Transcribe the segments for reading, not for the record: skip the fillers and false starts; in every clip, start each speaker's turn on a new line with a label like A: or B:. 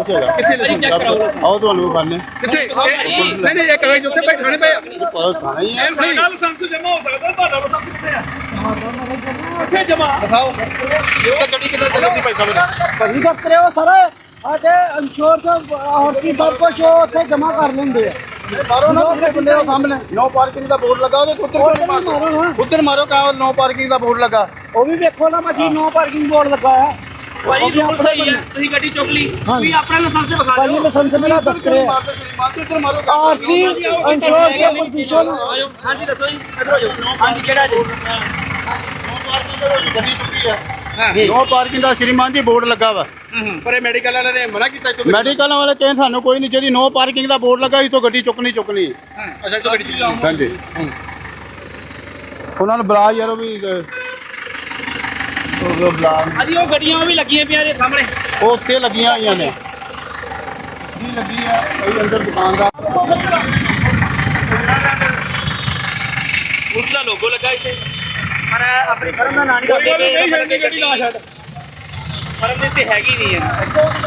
A: ਕੁਛ ਹੈਗਾ ਆਓ ਤੁਹਾਨੂੰ ਵਿਖਾਣੇ
B: ਕਿੱਥੇ ਨਹੀਂ ਨਹੀਂ ਇੱਕ ਵਜੇ ਉੱਥੇ ਬੈਠਣੇ ਪਏ
A: ਪਤਾ ਥਾਣਾ ਹੀ ਹੈ
B: ਸਾਡਾ ਲਾਇਸੈਂਸ ਜਮਾ ਹੋ ਸਕਦਾ ਤੁਹਾਡਾ ਲਾਇਸੈਂਸ ਕਿੱਥੇ ਆ ਕਿੱਥੇ ਜਮਾ ਦਿਖਾਓ ਇਹ ਗੱਡੀ ਕਿੱਥੇ ਚੱਲਦੀ ਪੈਸਾ ਮੇਰਾ
C: ਭਾਜੀ ਦਫ਼ਤਰ ਉਹ ਸਰ ਸਾਡੇ ਇੰਸ਼ੋਰ ਤੋਂ ਆਰਸੀ ਸਭ ਕੁਝ ਉਹ ਉੱਥੇ ਜਮਾ ਕਰ ਲੈਂਦੇ ਆ
A: ਮਾਰੋ ਨਾ ਕਿੰਨੇ ਬੰਦੇ ਉਹ ਸਾਹਮਣੇ ਨੋ ਪਾਰਕਿੰਗ ਦਾ ਬੋਰਡ ਲੱਗਾ ਉਹਦੇ ਉੱਤੇ
C: ਮਾਰੋ ਨਾ
A: ਉੱਧਰ ਮਾਰੋ ਕਾ ਨੋ ਪਾਰਕਿੰਗ ਦਾ ਬੋਰਡ ਲੱਗਾ
C: ਉਹ ਵੀ ਵੇਖੋ ਨਾ ਭਾਜੀ ਨੋ ਪਾਰਕਿੰਗ ਬੋਰਡ ਲੱਗਾ ਹੈ
D: ਭਾਈ ਰੂਲ ਸਹੀ ਹੈ ਤੁਸੀਂ ਗੱਡੀ ਚੁੱਕ ਲਈ ਤੁਸੀਂ ਆਪਣਾ ਲਾਇਸੈਂਸ ਤੇ ਵਿਖਾ
C: ਭਾਜੀ ਲਾਇਸੈਂਸ ਮੇਰਾ ਦਫ਼ਤਰ ਹੈ
A: ਉੱਧਰ ਮਾਰੋ
C: ਆਰਸੀ ਇੰਸ਼ੋਰ ਤੋਂ ਪ੍ਰਦੂਸ਼ਣ
D: ਆਇਓ ਹਾਂਜੀ ਦੱਸੋ ਜੀ ਇੱਧਰ ਹੋ ਜਾਓ ਹਾਂਜੀ ਕਿਹੜਾ ਜੀ
A: ਗੱਡੀ ਚੁੱਕੀ ਆ ਨੋ ਪਾਰਕਿੰਗ ਦਾ ਸ਼੍ਰੀਮਾਨ ਜੀ ਬੋਰਡ ਲੱਗਾ ਵਾ
B: ਪਰ ਇਹ ਮੈਡੀਕਲ ਵਾਲਿਆਂ ਨੇ ਮਨਾ ਕੀਤਾ ਚੁੱਕ
A: ਮੈਡੀਕਲ ਵਾਲੇ ਕਹਿੰਦੇ ਸਾਨੂੰ ਕੋਈ ਨਹੀਂ ਜਿਹਦੀ ਨੋ ਪਾਰਕਿੰਗ ਦਾ ਬੋਰਡ ਲੱਗਾ ਇਸ ਤੋਂ ਗੱਡੀ ਚੁੱਕਣੀ
B: ਅੱਛਾ ਤੋ ਗੱਡੀ ਚੁੱਕ
A: ਹਾਂਜੀ ਉਹਨਾਂ ਨੂੰ ਬੁਲਾ ਯਾਰ ਉਹ ਵੀ ਉਹ ਬੁਲਾ
D: ਹਾਂਜੀ ਉਹ ਗੱਡੀਆਂ ਵੀ ਲੱਗੀਆਂ ਪਈਆਂ ਦੇ ਸਾਹਮਣੇ
A: ਉਹ ਉੱਤੇ ਲੱਗੀਆਂ ਹੋਈਆਂ ਨੇ ਕੀ ਲੱਗੀ ਆ ਕਈ ਅੰਦਰ ਦੁਕਾਨਦਾਰ
D: ਉਸ ਦਾ ਲੋਗੋ ਲੱਗਾ ਇੱਥੇ ਪਰ ਆਪਣੀ ਫਰਮ ਦਾ ਨਾਂ ਨਹੀਂ ਦੱਸਦੇ
B: ਨਹੀਂ ਛੱਡਣੀ ਗੱਡੀ ਨਾ ਛੱਡ
D: ਫਰਮ ਦੇ ਉੱਤੇ ਹੈਗੀ ਨਹੀਂ ਹੈ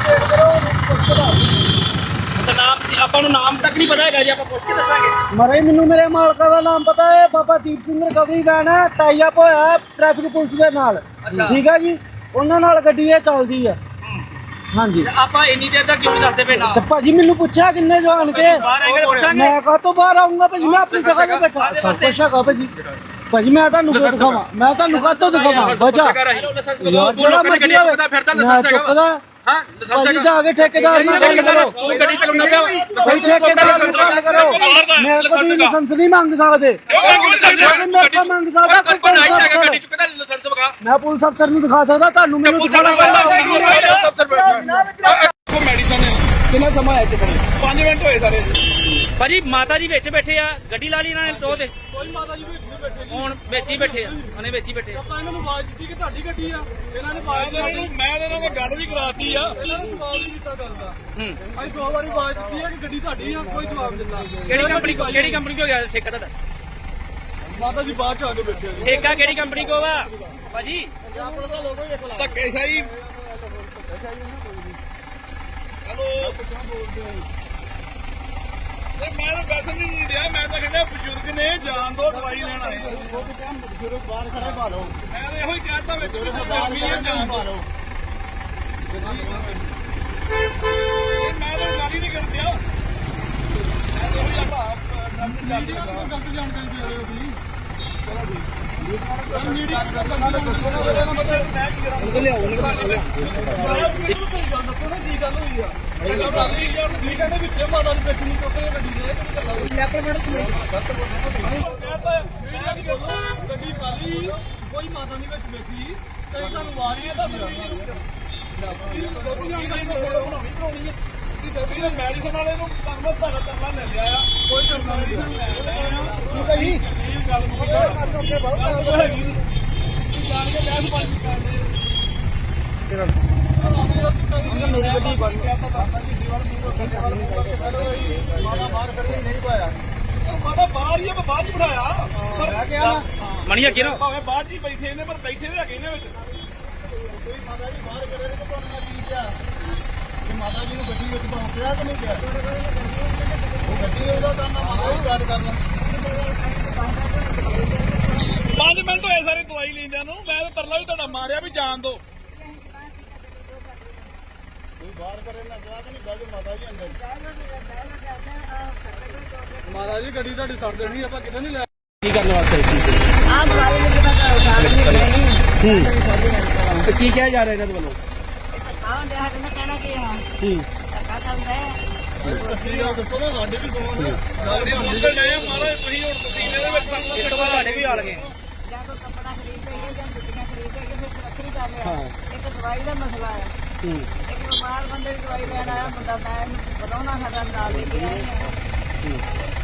D: ਨਾਮ ਆਪਾਂ ਨੂੰ ਨਾਮ ਤੱਕ ਨਹੀਂ ਪਤਾ ਹੈਗਾ ਜੀ ਆਪਾਂ ਪੁੱਛ ਕੇ ਦੱਸਾਂਗੇ
C: ਮਰੇ ਮੈਨੂੰ ਮੇਰੇ ਮਾਲਕਾਂ ਦਾ ਨਾਮ ਪਤਾ ਹੈ ਬਾਬਾ ਦੀਪ ਸਿੰਘ ਰਿਕਵਰੀ ਵੈਨ ਹੈ ਟਾਈ ਅਪ ਹੋਇਆ ਹੈ ਟ੍ਰੈਫਿਕ ਪੁਲਿਸ ਦੇ ਨਾਲ ਠੀਕ ਹੈ ਜੀ ਉਹਨਾਂ ਨਾਲ ਗੱਡੀ ਇਹ ਚੱਲਦੀ ਹੈ ਹਾਂਜੀ
D: ਆਪਾਂ ਇੰਨੀ ਦੇਰ ਤੱਕ ਕਿਉਂ ਨਹੀਂ ਦੱਸਦੇ ਪਏ ਨਾ
C: ਤੇ ਭਾਜੀ ਮੈਨੂੰ ਪੁੱਛਿਆ ਕਿੰਨੇ ਜਾਣ ਕੇ
D: ਬਾਹਰ ਆਏਗਾ ਪੁੱਛਾਂਗੇ
C: ਮੈਂ ਕਾਹਤੋਂ ਬਾਹਰ ਆਉਂਗਾ ਭਾਜੀ ਮੈਂ ਆਪਣੀ ਜਗ੍ਹਾ ਤੇ ਬੈਠਾ ਸਭ ਕੁਛ ਹੈਗਾ ਭਾਜੀ ਭਾਜੀ ਮੈਂ ਤੁਹਾਨੂੰ ਕਿਉਂ ਦਿਖਾਵਾਂ ਮੈਂ ਤੁਹਾਨੂੰ ਕਾਹਤੋਂ ਦਿਖਾਵਾਂ ਵਜਾ
D: ਲਾਇਸੈਂਸ
C: ਯਾਰ ਜਿਹੜਾ ਮਰਜ਼ੀ ਹੋਵੇ ਮੈਂ ਚੁੱਕਦਾ
B: ਹਾਂ
C: ਭਾਜੀ ਜਾ ਕੇ ਠੇਕੇਦਾਰ ਨਾਲ ਗੱਲ ਕਰੋ
B: ਤੂੰ ਗੱਡੀ ਚਲਾਉਣਾ ਪਿਆ
C: ਭਾਈ ਠੇਕੇਦਾਰ ਨਾਲ ਗੱਲ ਕਰੋ ਮੇਰੇ ਕੋਲ ਵੀ ਲਾਇਸੈਂਸ ਨਹੀਂ ਮੰਗ ਸਕਦੇ ਮੇਰੇ ਕੋਲ ਮੰਗ ਸਕਦਾ ਕੋਈ ਪੁਲਿਸ ਅਫਸਰ
B: ਗੱਡੀ ਚੁੱਕਦਾ ਲਾਇਸੈਂਸ ਵਿਖਾ
C: ਮੈਂ ਪੁਲਿਸ ਅਫਸਰ ਨੂੰ ਦਿਖਾ ਸਕਦਾ ਤੁਹਾਨੂੰ ਮੈਨੂੰ ਦਿਖਾਣਾ
B: ਕੋ ਮੈਡੀਸਨ ਕਿੰਨਾ ਸਮਾਂ ਹੈ ਕਿਤੇ 5 ਮਿੰਟ ਹੋਏ ਸਾਰੇ
D: ਭਾਜੀ ਮਾਤਾ ਜੀ ਵਿੱਚ ਬੈਠੇ ਆ ਗੱਡੀ ਲਾ ਲਈ ਇਹਨਾਂ ਨੇ ਟੋ ਤੇ
B: ਕੋਈ ਮਾਤਾ ਜੀ ਵਿੱਚ ਨਹੀਂ ਬੈਠੇ
D: ਹੁਣ ਵਿੱਚ ਹੀ ਬੈਠੇ ਆ ਉਹਨੇ ਵਿੱਚ ਹੀ ਬੈਠੇ
B: ਆਪਾਂ ਇਹਨਾਂ ਨੂੰ ਆਵਾਜ਼ ਦਿੱਤੀ ਕਿ ਤੁਹਾਡੀ ਗੱਡੀ ਆ ਇਹਨਾਂ ਨੇ ਆਵਾਜ਼ ਮੈਂ ਇਹਨਾਂ ਨਾਲ ਗੱਲ ਵੀ ਕਰਾਤੀ ਆ ਇਹਨਾਂ ਨੇ ਜਵਾਬ ਨਹੀਂ ਦਿੱਤਾ ਗੱਲ ਦਾ ਅਸੀਂ 2 ਵਾਰੀ ਆਵਾਜ਼ ਦਿੱਤੀ ਆ ਕਿ ਗੱਡੀ ਤੁਹਾਡੀ ਆ ਕੋਈ ਜਵਾਬ ਦਿੱਤਾ
D: ਕਿਹੜੀ ਕੰਪਨੀ ਕੋ ਗਿਆ ਠੇਕਾ ਤੁਹਾਡਾ
B: ਮਾਤਾ ਜੀ ਬਾਅਦ ਚ ਆ ਕੇ ਬੈਠੇ ਆ
D: ਠੇਕਾ ਕਿਹੜੀ ਕੰਪਨੀ ਕੋ ਵਾ ਭਾਜੀ
B: ਆਪਣਾ ਤਾਂ ਲੋਗੋ ਵੇਖ ਲਾ ਧੱਕੇ ਸ਼ਾਹੀ ਹੈਲੋ ਮੈਂ ਤਾਂ ਵੈਸੇ ਨਹੀਂ ਰਿਹਾ ਮੈਂ ਤਾਂ ਕਹਿੰਦਾ ਬਜ਼ੁਰਗ ਨੇ ਜਾਨ ਦੋ ਦਵਾਈ ਲੈਣ ਆਏ
A: ਬਜ਼ੁਰਗ ਬਾਹਰ ਖੜੇ ਭਾਲੋ
B: ਮੈਂ ਤਾਂ ਇਹੋ ਹੀ ਕਹਿਤਾ ਵਿੱਚ ਵੀ ਗਰਮੀ ਹੈ ਜਾਨ ਦੋ ਮੈਂ ਤਾਂ ਗੱਲ ਹੀ ਨਹੀਂ ਕਰਦਿਆ ਮੈਂ ਤਾਂ ਉਹੀ ਆਪਾਂ ਗਲਤ ਜਾਣਕਾਰੀ ਦੇ ਰਹੇ ਹੋ ਤੁਸੀਂ ਮੀਡੀਆ ਦਾ ਗੱਲ ਦੱਸੋ ਨਾ ਕੀ ਗੱਲ ਹੋਈ ਆ ਠੀਕ ਹੈ ਵਿੱਚ ਮਾਤਾ ਦੀ ਬੈਠੀ ਨਹੀਂ ਚੁੱਕ ਗੱਡੀ ਦੇ ਗੱਡੀ ਖਾਲੀ ਕੋਈ ਮਾਤਾ ਦੀ ਵਿੱਚ ਬੈਠੀ ਕਈ ਤੁਹਾਨੂੰ ਵਾਰੀ ਹੈ ਮੈਡੀਸਨ ਵਾਲੇ ਨੂੰ ਕਰਨਾ ਧਰਨਾ ਲੈ ਲਿਆ ਕੋਈ ਕਰਨਾ ਨਹੀਂ ਠੀਕ ਹੈ ਜੀ ਗੱਲ ਹੈਗੀ ਜਾਣ ਕੇ ਬਹਿਸ ਬਾਜੀ ਕਰਦੇ ਬਾਹਰ ਹੀ ਬਾਅਦ ਚ ਬਿਠਾਇਆ
D: ਮਣੀ ਅੱਗੇ ਨਾ
B: ਭਾਵੇਂ ਬਾਅਦ ਹੀ ਬੈਠੇ ਨੇ ਪਰ ਬੈਠੇ ਵੀ ਹੈਗੇ ਨੇ ਵਿੱਚ
A: ਮਾਤਾ ਜੀ ਬਾਹਰ ਕਰੇ ਤਾਂ ਤੁਹਾਨੂੰ ਕੀ ਕਿਹਾ ਕਿ ਮਾਤਾ ਜੀ ਨੂੰ ਗੱਡੀ ਵਿੱਚ ਪਹੁੰਚਿਆ ਕਿ ਨਹੀਂ ਕਿਹਾ ਉਹ ਗੱਡੀ ਉਹਦਾ ਕੰਮ ਆ ਮਾਤਾ ਜੀ ਗੱਲ ਕਰਨਾ
B: 5 ਮਿੰਟ ਹੋਏ ਸਾਰੇ ਦਵਾਈ ਲੈਂਦਿਆਂ ਨੂੰ ਮੈਂ ਤਾਂ ਤਰਲਾ ਵੀ ਤੁਹਾਡਾ ਮਾਰਿਆ ਵੀ ਜਾਣ ਦੋ
A: ਕੋਈ ਬਾਹਰ ਕਰੇ ਨਾ ਕਿਹਾ ਕਿ ਨਹੀਂ ਬਾਜੂ ਮਾਤਾ ਜੀ ਅੰਦਰ
B: ਮਾਤਾ ਜੀ ਗੱਡੀ ਤੁਹਾਡੀ ਸੜ ਦੇਣੀ ਆਪਾਂ ਕਿਤੇ ਨਹੀਂ ਲੈ
D: ਕੀ ਕਰਨ ਵਾਸਤੇ ਤੇ ਕੀ ਕਿਹਾ ਜਾ ਰਿਹਾ ਇਹਨਾਂ ਦੇ ਵੱਲੋਂ
B: ਸੱਚੀ ਗੱਲ ਦੱਸੋ ਨਾ ਸਾਡੇ ਵੀ ਸੁਣੋ ਨਾ ਸਾਡੇ ਅੰਦਰ ਲੈ ਮਾਰਾ ਤੁਸੀਂ ਹੁਣ ਪਸੀਨੇ ਦੇ ਵਿੱਚ
D: ਇਸ ਤੋਂ ਬਾਅਦ ਤੁਹਾਡੇ ਵੀ ਆ ਲਗੇ
E: ਇੱਕ ਦਵਾਈ ਦਾ ਮਸਲਾ ਹੈ ਇੱਕ ਬਿਮਾਰ ਬੰਦੇ ਦੀ ਦਵਾਈ ਲੈਣ ਆਇਆ ਮੁੰਡਾ ਮੈਂ ਵਧਾਉਣਾ ਸਾਡਾ ਨਾਲ ਲੈ ਕੇ ਆਏ ਆ